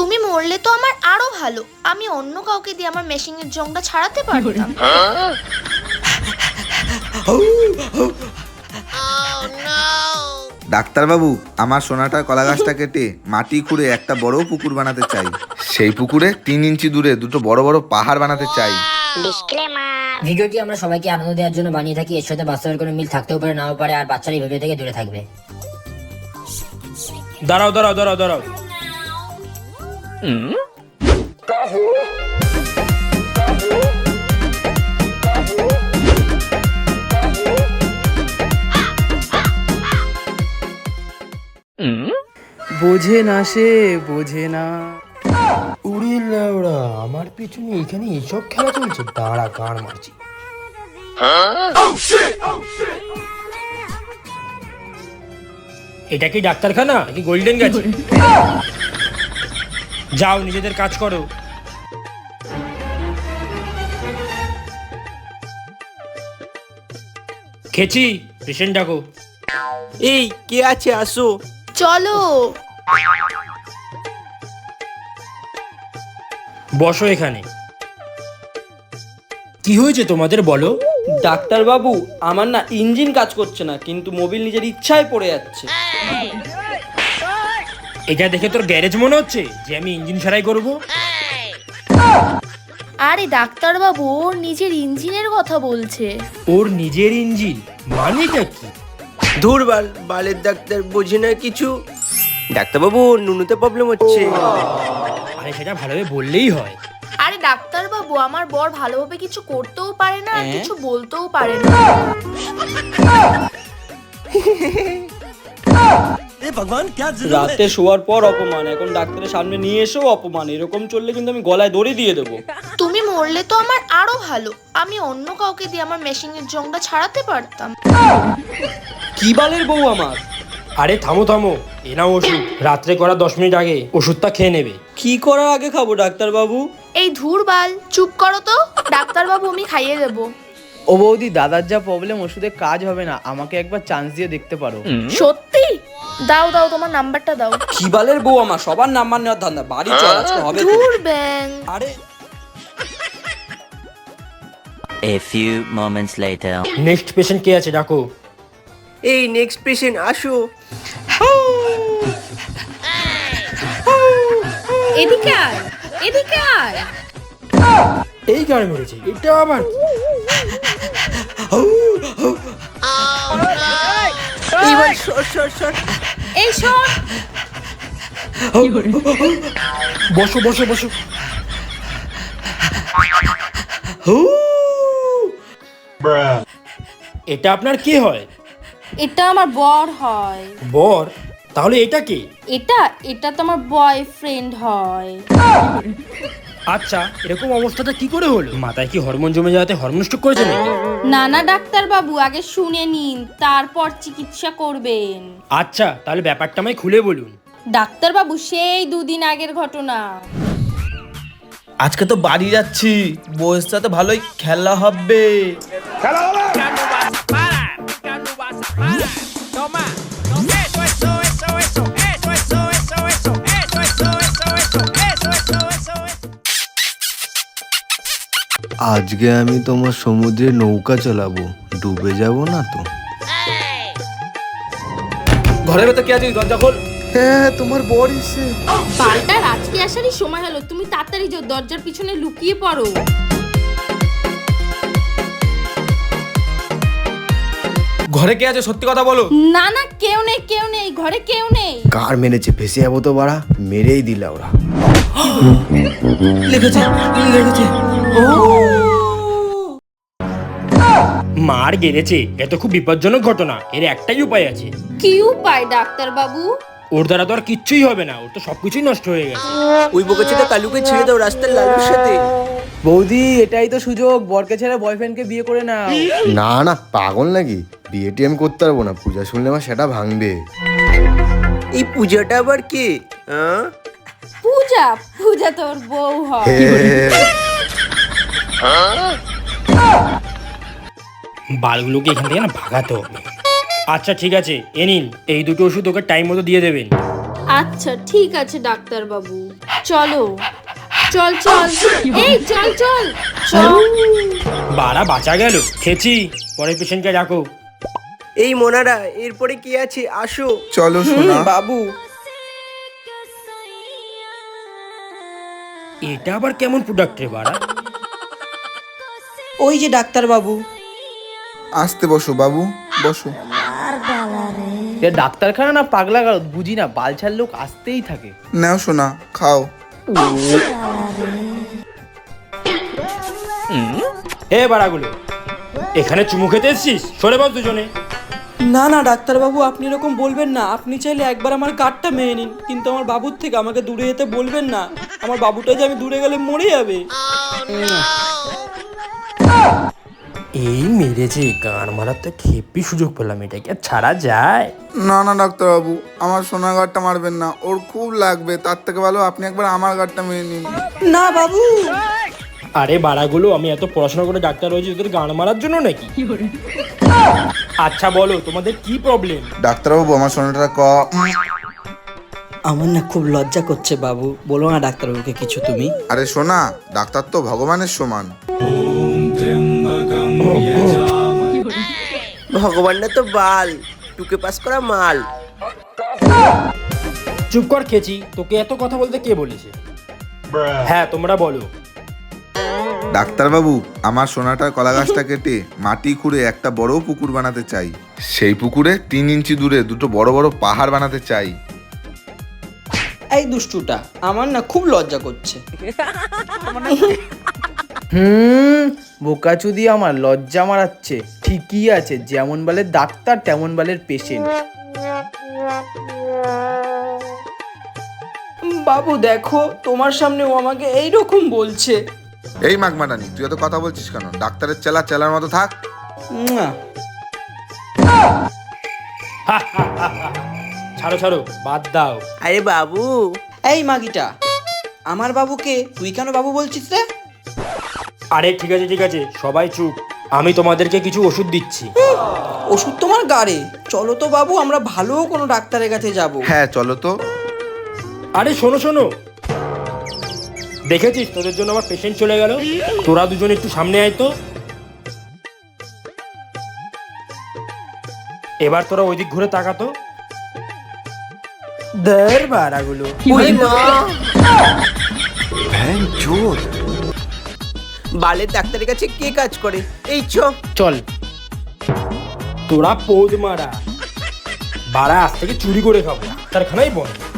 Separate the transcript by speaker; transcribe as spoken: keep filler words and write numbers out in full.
Speaker 1: তুমি মরলে তো আমার আরো ভালো, আমি অন্য কাউকে দিয়ে আমার মেশিনের জংটা ছাড়াতে পারতাম।
Speaker 2: ডাক্তার বাবু, আমার সোনাটার কলা গাছটা কেটে মাটি খুঁড়ে একটা বড় পুকুর বানাতে চাই। সেই পুকুরে তিন ইঞ্চি দূরে দুটো বড় বড় পাহাড় বানাতে চাই।
Speaker 3: ভিডিওটি আমরা সবাইকে আনন্দ দেওয়ার জন্য বানিয়ে থাকি। এর সাথে বাস্তবের কোনো মিল থাকতেও পারে, নাও পারে, আর বাচ্চারা এই ভিডিও থেকে দূরে থাকবে।
Speaker 4: দাঁড়াও দাঁড়াও দাঁড়াও দাঁড়াও
Speaker 5: বোঝে না সে বোঝে না।
Speaker 6: উড়ি লেওড়া, আমার পিছনে এখানে এসব খেলা চলছে, দাঁড়া গান মারছি।
Speaker 4: এটা কি ডাক্তারখানা নাকি গোল্ডেন গাছ? যাও নিজেদের কাজ করো। খেছি, পেশেন্ট ডাকো।
Speaker 6: এই কে আছে, আসো।
Speaker 1: চলো।
Speaker 4: বসো এখানে। কি হয়েছে তোমাদের বলো?
Speaker 5: ডাক্তার বাবু, আমার না ইঞ্জিন কাজ করছে না, কিন্তু মোবিল নিজের ইচ্ছায় পড়ে যাচ্ছে।
Speaker 4: এটা দেখে তোর গ্যারেজ মনে হচ্ছে যে আমি ইঞ্জিন সারাই করব?
Speaker 1: আরে ডাক্তার বাবু, ওর নিজের ইঞ্জিনের কথা বলছে।
Speaker 4: ওর নিজের ইঞ্জিন মানেটা কি?
Speaker 6: ধুর বাল, বালের ডাক্তার বোঝে না কিছু। ডাক্তারবাবু, নুনুতে প্রবলেম হচ্ছে।
Speaker 4: আরে সেটা ভালোভাবে বললেই হয়।
Speaker 1: আরে ডাক্তার বাবু, আমার বর ভালোভাবে কিছু করতেও পারে না, আর কিছু বলতেও পারে না।
Speaker 5: রাতে শোয়ার পর অপমান, এখন ডাক্তারের সামনে নিয়ে এসেও অপমান। এরকম চললে কিন্তু আমি গলায় দড়ি দিয়ে দেবো।
Speaker 1: তুমি মরলে তো আমার আরো ভালো, আমি অন্য কাউকে দিয়ে আমার মেশিনের জংটা ছাড়াতে পারতাম।
Speaker 5: কি বালের বউ আমার।
Speaker 4: আরে থামো থামো, এ নাও ওষুধ। রাত্রে করা দশ মিনিট আগে ওষুধটা খেয়ে নেবে।
Speaker 5: কি করার আগে খাবো ডাক্তার বাবু?
Speaker 1: এই ধুর বাল, চুপ করো তো। ডাক্তার বাবু, আমি খাইয়ে দেবো।
Speaker 7: ও বৌদি, দাদার যা প্রবলেম, ওষুধে কাজ হবে না, আমাকে একবার চান্স দিয়ে দেখতে পারো?
Speaker 1: সত্যি? দাও দাও, তোমার নাম্বারটা দাও।
Speaker 5: কি বালের বউ আমার, সবার নাম্বার নেওয়ার ধান্দা। বাড়ি চল, আজকে হবে তো।
Speaker 1: ধুর ব্যাং।
Speaker 5: আরে
Speaker 8: A few moments later.
Speaker 4: Next patient কে আছে ডাকো।
Speaker 6: এই নেক্সট পেশেন্ট, আসো।
Speaker 1: এদিকে আয়, এদিকে আয়।
Speaker 4: এই গাড়ি মেরেছে, এটা আবার
Speaker 6: এইবার সর সর সর।
Speaker 1: এই শোন।
Speaker 4: বসো বসো বসো। এটা আপনার কে হয়?
Speaker 9: এটা আমার বর হয়।
Speaker 4: বর? তাহলে এটা কে?
Speaker 9: এটা এটা তো আমার বয়ফ্রেন্ড হয়।
Speaker 4: আচ্ছা, এরকম অবস্থাটা কি করে হলো? মাথায় কি হরমোন জমে যাওয়াতে হরমোন স্ট্রোক করেছে নাকি?
Speaker 9: না না ডাক্তার বাবু, আগে শুনে নিন, তারপর চিকিৎসা করবেন।
Speaker 4: আচ্ছা, তাহলে ব্যাপারটা আমায় খুলে বলুন।
Speaker 9: ডাক্তার বাবু, সেই দুদিন আগের ঘটনা।
Speaker 7: আজকে তো বাড়ি যাচ্ছি, বউয়ের সাথে ভালোই খেলা হবে।
Speaker 10: আজকে আমি তোমার সমুদ্রে নৌকা চালাবো, ডুবে যাব না তো?
Speaker 5: ঘরের ভেতর কে আছে? দরজা খোল।
Speaker 10: হ্যাঁ, তোমার বর এসে।
Speaker 9: পাল্টার আজকে আসারই সময় হলো, তুমি তাড়াতাড়ি যাও, দরজার পিছনে লুকিয়ে পড়ো।
Speaker 5: ঘরে কে আছে, সত্যি কথা বলো।
Speaker 9: না না, কেউ নেই, কেউ নেই, ঘরে কেউ নেই।
Speaker 10: কার মেরেছে? ফেসে যাবো তো বাড়া, মেরেই দিলা ওরা।
Speaker 5: লেগেছে লেগেছে। ও
Speaker 4: মার গেড়েছে, এত খুব বিপজ্জনক ঘটনা। এর একটাই উপায় আছে।
Speaker 9: কি উপায় ডাক্তার বাবু?
Speaker 4: ওর দ্বারা তো আর কিচ্ছুই হবে না, ওর তো সবকিছুই নষ্ট হয়ে গেছে।
Speaker 6: ওই বকেছেটা কালুকে ছেড়ে দাও রাস্তার লালুর সাথে।
Speaker 7: বৌদি, এটাই তো সুযোগ, বরকে ছেড়ে বয়ফ্রেন্ডকে বিয়ে করে নাও।
Speaker 10: না না, পাগল নাকি? বিয়েটি আমি করতে পারবো না, পূজা শুনলে আমার সেটা ভাঙবে।
Speaker 6: এই পূজাটা আবার কে? হ্যাঁ,
Speaker 9: পূজা? পূজা তোর বউ হয়।
Speaker 4: বালগুলোকে এখান থেকে না ভাগাতে হবে। আচ্ছা ঠিক আছে, এ নিন, এই দুটো ওষুধ ওকে টাইম মতো দিয়ে দেবেন।
Speaker 9: আচ্ছা ঠিক আছে ডাক্তার বাবু, চলো চল চল এই চল চল চল।
Speaker 4: বাড়া বাঁচা গেল, খেছি। পরে পেশেন্টকে রাখো।
Speaker 6: এই মোনারা, এরপরে কি আছে, আসো।
Speaker 2: চলো সোনা।
Speaker 6: বাবু,
Speaker 4: এটা আবার কেমন প্রোডাক্ট রে বাড়া?
Speaker 6: ওই যে ডাক্তার বাবু।
Speaker 2: আসতে বসো বাবু, বসো।
Speaker 7: এ ডাক্তারখানা না পাগলা গারদ বুঝি না, বালছাল লোক আসতেই থাকে।
Speaker 2: নাও সোনা, খাও।
Speaker 4: হে বাড়াগুলো, এখানে চুমু খেতে এসছিস? সরে বস দুজনে।
Speaker 5: না না ডাক্তার বাবু, আপনি এরকম বলবেন না। আপনি চাইলে একবার আমার কার্ডটা মেনে নিন, কিন্তু আমার বাবুর থেকে আমাকে দূরে যেতে বলবেন না। আমার বাবুটা যে আমি দূরে গেলে মরে যাবে।
Speaker 4: এই মেরেছে, গান মারার তো খেপি সুযোগ পেলাম, এটাকে আর ছাড়া যায়?
Speaker 2: না না ডাক্তারবাবু, আমার সোনা গাড়টা মারবেন না, ওর খুব লাগবে। তার থেকে ভালো আপনি একবার আমার গাড়টা মেনে নিন।
Speaker 5: না বাবু।
Speaker 4: আরে বাড়াগুলো, আমি এত পড়াশোনা করে ডাক্তার হয়েছি তোদের গান মারার জন্য নাকি? আচ্ছা বলো, তোমাদের কি প্রবলেম?
Speaker 2: ডাক্তারবাবু, আমার সোনাটা ক।
Speaker 5: আমার না খুব লজ্জা করছে বাবু, বলো না ডাক্তারবাবুকে কিছু তুমি।
Speaker 2: আরে সোনা, ডাক্তার তো ভগবানের সমান।
Speaker 6: ভগবান না তো বাল, টুকে পাস করা মাল।
Speaker 4: চুপ কর খেছি, তোকে এত কথা বলতে কে বলেছে? হ্যাঁ তোমরা বলো।
Speaker 2: ডাক্তারবাবু, আমার সোনাটার কলা গাছটা কেটে মাটি খুঁড়ে একটা বড় পুকুর বানাতে চাই। সেই পুকুরে তিন ইঞ্চি দূরে দুটো বড় বড় পাহাড় বানাতে চাই।
Speaker 5: এই দুষ্টুটা, আমার না খুব লজ্জা করছে।
Speaker 7: হুম, বোকাচুদি আমার লজ্জা মারাচ্ছে। ঠিকই আছে, যেমন বালের ডাক্তার তেমন বালের পেশেন্ট।
Speaker 5: বাবু দেখো, তোমার সামনে ও আমাকে এইরকম বলছে।
Speaker 2: এই মাগমাটানি, তুই এত কথা বলছিস কেন? ডাক্তারের চেলা চেলার মতো থাক।
Speaker 5: মুয়া।
Speaker 4: ছাড়ো ছাড়ো, বাদ দাও।
Speaker 6: আরে বাবু,
Speaker 5: এই মাগিটা, আমার বাবুকে তুই কেন বাবু বলছিস রে?
Speaker 4: আরে ঠিক আছে ঠিক আছে, সবাই চুপ। আমি তোমাদেরকে কিছু ওষুধ দিচ্ছি।
Speaker 5: ওষুধ তোমার গাড়ে, চলো তো বাবু, আমরা ভালো কোনো ডাক্তারের কাছে যাব।
Speaker 2: হ্যাঁ চলো তো।
Speaker 4: আরে শোনো শোনো, দেখেছিস তোদের জন্য আমার পেশেন্ট চলে গেল। তোরা দুজন একটু সামনে আয় তো। এবার তোরা ওইদিক ঘুরে তাকাতো। দের বাড়াগুলো।
Speaker 6: বালের ডাক্তারের কাছে কে কাজ করে? এই চ।
Speaker 4: চল। তোরা পৌদ মারা, বাড়া আজ থেকে চুরি করে খাবো, ডাক্তারখানাই বন্ধ।